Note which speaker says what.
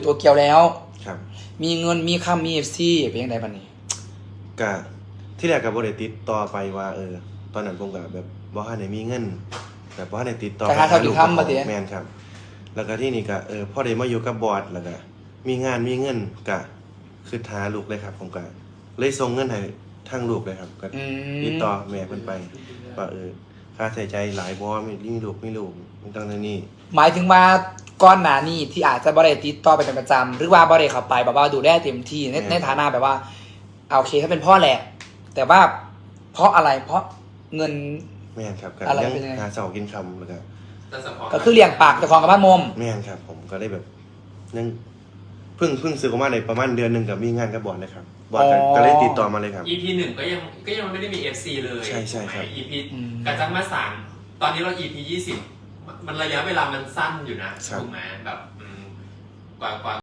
Speaker 1: ตัวเกียวแล้ว
Speaker 2: ครับ
Speaker 1: มีเงินมีค่ามีFCเป็นยังไงบ้างนี่
Speaker 2: กะที่แรกกับบริติดต่อไปว่าตอนนั้นผมกับแบบบ่ทันได้มีเงินแบบบ่ทันได้ติดต่อไปหาลูกแม่นครับแล้วก็ที่นี่ก็พอได้มาอยู่กับบอร์ดแล้วก็มีงานมีเงินก็คือหาลูกเลยครับผมก็เลยส่งเงินให้ทางลูกเลยครับก็ติดต่อแม่เพิ่นไปว่าค่าใช้จ่ายหลายบ่มีลูกมันต้องนี่
Speaker 1: หมายถึงว่าก้อนหนานี่ที่อาจจะบริติดต่อไปเป็นประจำหรือว่าบริเข้าไปแบบว่าดูแลเต็มที่ในฐานะแบบว่าโอเคถ้าเป็นพ่อแหละแต่ว่าเพราะอะไรเพราะเงิน
Speaker 2: แม่นครับก็ยังหาเสากินคำแล้ว
Speaker 1: ก็คือเลี้ยงปากแต่ของกับบ้านมม
Speaker 2: แม่นครับผมก็ได้แบบยังเพิ่งซื้อออกมาในประมาณเดือนหนึ่งกับมีงานกับบอร์ดเลยครับบอร์ดก็เลยติดต่อมาเลยครับ
Speaker 3: EP 1ก็ยังไม่ได้มี FC เลย
Speaker 2: ใช่ครับ
Speaker 3: EP กระจังมา3ตอนนี้เรา EP 20มันระยะเวลามันสั้นอยู่นะถูกไหมแบบกว่า